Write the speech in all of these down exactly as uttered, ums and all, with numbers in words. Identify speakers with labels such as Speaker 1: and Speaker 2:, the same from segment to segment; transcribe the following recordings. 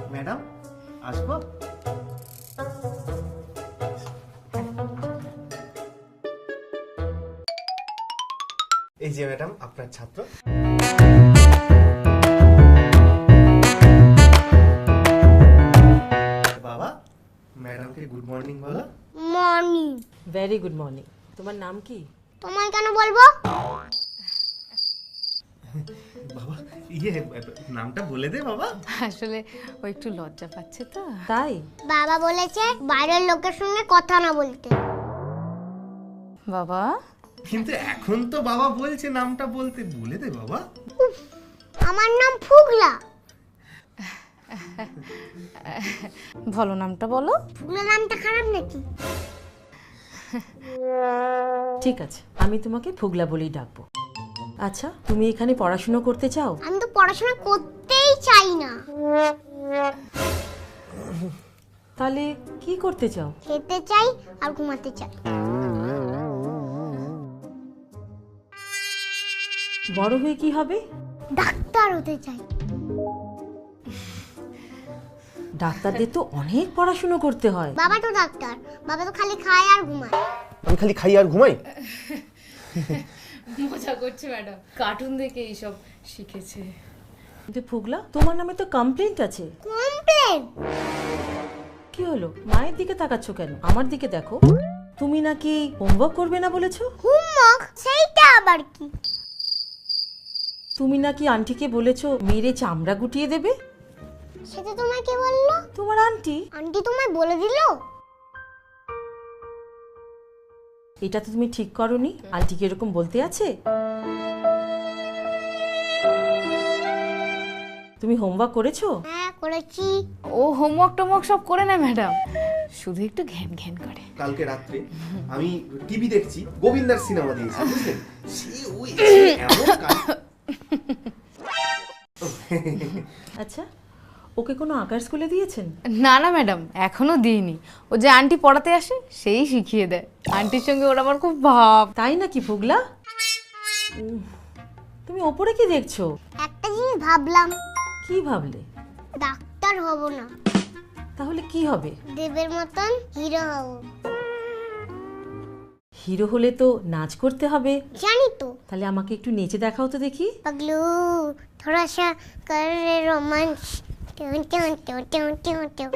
Speaker 1: Madam আসবো? এই যে ম্যাডাম আপনার ছাত্র। বাবা ম্যাডামকে গুড মর্নিং বলো।
Speaker 2: মর্নিং।
Speaker 3: Very good morning. তোমার নাম কি?
Speaker 2: তোমায় কেন বলবো?
Speaker 1: বাবা ইয়ে নামটা বলে দে বাবা।
Speaker 4: আসলে ও একটু লজ্জা পাচ্ছে তো
Speaker 3: তাই?
Speaker 2: বাবা বলেছে বাইরের লোকের সঙ্গে কথা না বলতে।
Speaker 4: বাবা
Speaker 1: কিন্তু এখন তো বাবা বলছে নামটা বলতে, বলে দে বাবা।
Speaker 2: আমার নাম ফুগলা।
Speaker 4: ভালো নামটা বলো।
Speaker 2: ফুগলা নামটা খারাপ নাকি?
Speaker 3: ঠিক আছে, আমি তোমাকে ফুগলা বলেই ডাকবো। আচ্ছা, তুমি এখানে পড়াশোনা করতে চাও?
Speaker 2: আমি তো পড়াশোনা করতেই চাই না।
Speaker 3: তাহলে কি করতে চাও?
Speaker 2: খেতে চাই আর ঘুমাতে চাই।
Speaker 3: বড় হয়ে কি হবে?
Speaker 2: ডাক্তার হতে চাই।
Speaker 3: ডাক্তারদের তো অনেক পড়াশোনা করতে হয়।
Speaker 2: বাবা তো ডাক্তার, বাবা তো খালি খায় আর ঘুমায়।
Speaker 1: আমি খালি খাই আর ঘুমাই?
Speaker 4: মজা করছে ম্যাডাম, কার্টুন দেখে এইসব শিখেছে।
Speaker 3: কিন্তু ফুগলা, তোমার নামে তো কমপ্লেন্ট আছে।
Speaker 2: কমপ্লেন?
Speaker 3: কি হলো? মায়ের দিকে তাকাচ্ছ কেন? আমার দিকে দেখো। তুমি নাকি হোমওয়ার্ক করবে না বলেছো?
Speaker 2: হোমওয়ার্ক? সেইটা আবার কি?
Speaker 3: তুমি নাকি আন্টিকে বলেছো মেরে চামড়া গুটিয়ে দেবে।
Speaker 2: সেটা তোমায় কে বললো?
Speaker 3: তোমার আন্টি।
Speaker 2: আন্টি তোমায় বলে দিল?
Speaker 3: এটা তো তুমি ঠিক করনি। আন্টিকে এরকম বলতে আছে? তুমি হোমওয়ার্ক করেছো?
Speaker 2: হ্যাঁ করেছি।
Speaker 4: ও হোমওয়ার্ক টোমওয়ার্ক সব করে না ম্যাডাম, শুধু একটু ঘ্যান ঘ্যান করে।
Speaker 1: কালকে রাত্রে আমি টিভি দেখছি, গোবিন্দার সিনেমা দিয়েছি বুঝলেন, সে ওই এমন কাজ-
Speaker 3: আচ্ছা, ওকে কোনো আঁকার স্কুলে দিয়েছেন?
Speaker 4: না না ম্যাডাম, এখনো দিইনি। ও যে আন্টি পড়াতে আসে সেই শিখিয়ে দেয়। আন্টির সঙ্গে ওর আমার খুব ভাব।
Speaker 3: তাই নাকি ফুগলা? উম, তুমি ওপরে কি দেখছো?
Speaker 2: একটা জিনিস ভাবলাম,
Speaker 3: কি ভাবলে?
Speaker 2: ডাক্তার হব না,
Speaker 3: তাহলে কি হবে?
Speaker 2: দেবের মতন হিরো হব।
Speaker 3: হিরো হলে তো নাচ করতে হবে।
Speaker 2: জানি তো।
Speaker 3: তাহলে আমাকে একটু নেচে দেখাও তো দেখি।
Speaker 2: पगलू थोड़ा सा कर रे romance. Tune tune tune tune tune tune.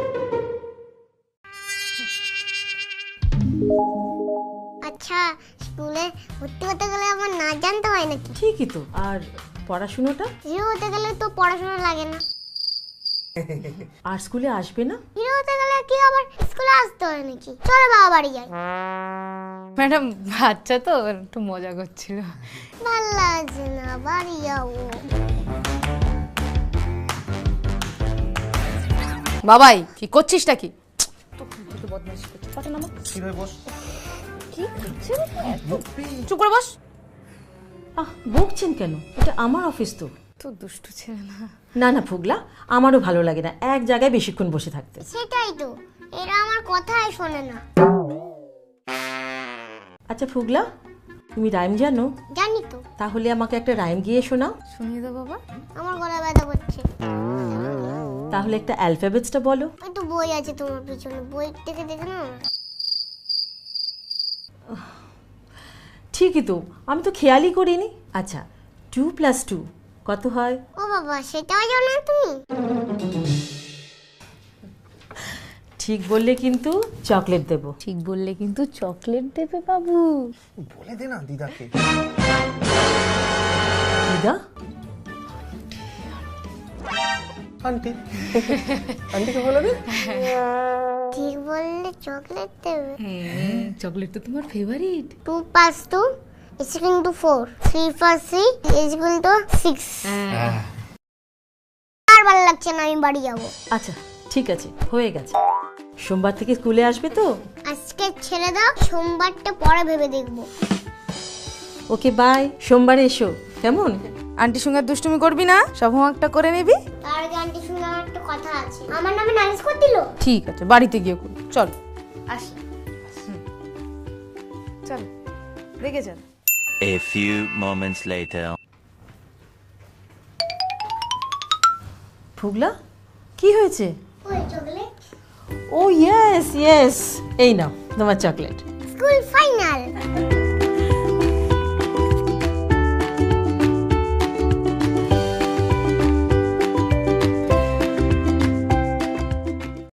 Speaker 2: আচ্ছা, স্কুলে ভর্তি হতে গেলে আমার নাচ জানতে হয় নাকি?
Speaker 3: ঠিকই তো। আর পড়াশোনাটা?
Speaker 2: হিরো হতে গেলে তো পড়াশোনা লাগে না।
Speaker 3: আর স্কুলে আসবে না?
Speaker 2: হিরো হতে গেলে কি আবার স্কুলে আসতে হয় নাকি? চলো বাবা বাড়ি যাই।
Speaker 4: ম্যাডাম বাচ্চা তো একটু মজা করছিল।
Speaker 2: ভাল লাগছে না, বাড়ি যাবো।
Speaker 4: বাবাই কি করছিসটা কি? চুপ করে বস।
Speaker 3: আহ, বকছেন কেন? এটা আমার অফিস তো।
Speaker 4: তো দুষ্টু ছেলে না।
Speaker 3: না না ফুগলা, আমারও ভালো লাগে না এক জায়গায় বেশিক্ষণ বসে থাকতে।
Speaker 2: সেটাই তো, এরা আমার কথাই শোনে না।
Speaker 3: আচ্ছা ফুগলা, তুমি রাইম জানো?
Speaker 2: জানি তো।
Speaker 3: তাহলে আমাকে একটা রাইম গিয়ে শোনাও।
Speaker 4: শুনিয়ে দাও বাবা।
Speaker 2: আমার গলা ব্যথা করছে।
Speaker 3: তাহলে একটা অ্যালফাবেটসটা বলো।
Speaker 2: ওই তো বই আছে তোমার পিছনে, বই থেকে দেখে না।
Speaker 3: ঠিকই তো, আমি তো খেয়ালই করিনি। আচ্ছা, টু প্লাস টু কত হয়?
Speaker 2: ও বাবা, সেটাও জানো না তুমি?
Speaker 3: ঠিক বললে কিন্তু চকলেট দেবো।
Speaker 4: ঠিক বললে কিন্তু চকলেট দেবে বাবু।
Speaker 1: বলে দে না দিদাকে।
Speaker 3: দিদা?
Speaker 1: আন্টি আন্টিকে বলে দে।
Speaker 2: ঠিক বললে চকলেট দেবে।
Speaker 4: চকলেট তো তোমার favourite.
Speaker 2: Two plus two is equal to four. Three plus three is equal to six. আর ভালো লাগছে না, আমি বাড়ি যাবো।
Speaker 3: আচ্ছা ঠিক আছে, হয়ে গেছে। সোমবার থেকে স্কুলে আসবে তো?
Speaker 2: আজকে ছেড়ে দাও, সোমবারটা পরে ভেবে দেখবো।
Speaker 3: ওকে বাই, সোমবারে এসো কেমন?
Speaker 4: আন্টির সঙ্গে দুষ্টুমি করবি না, সব হোমওয়ার্কটা করে নিবি।
Speaker 2: তার আগে আন্টি শুনে আমার একটা কথা আছে। আমার নামে নালিশ করে দিল।
Speaker 4: ঠিক আছে, বাড়িতে গিয়ে কর। চল আস। চল দেখে চল।
Speaker 5: A few moments later.
Speaker 3: ফুগলা, কি হয়েছে?
Speaker 2: ওই চকলেট।
Speaker 3: ও ইয়েস ইয়েস, এই নাও তোমার চকলেট।
Speaker 2: School final.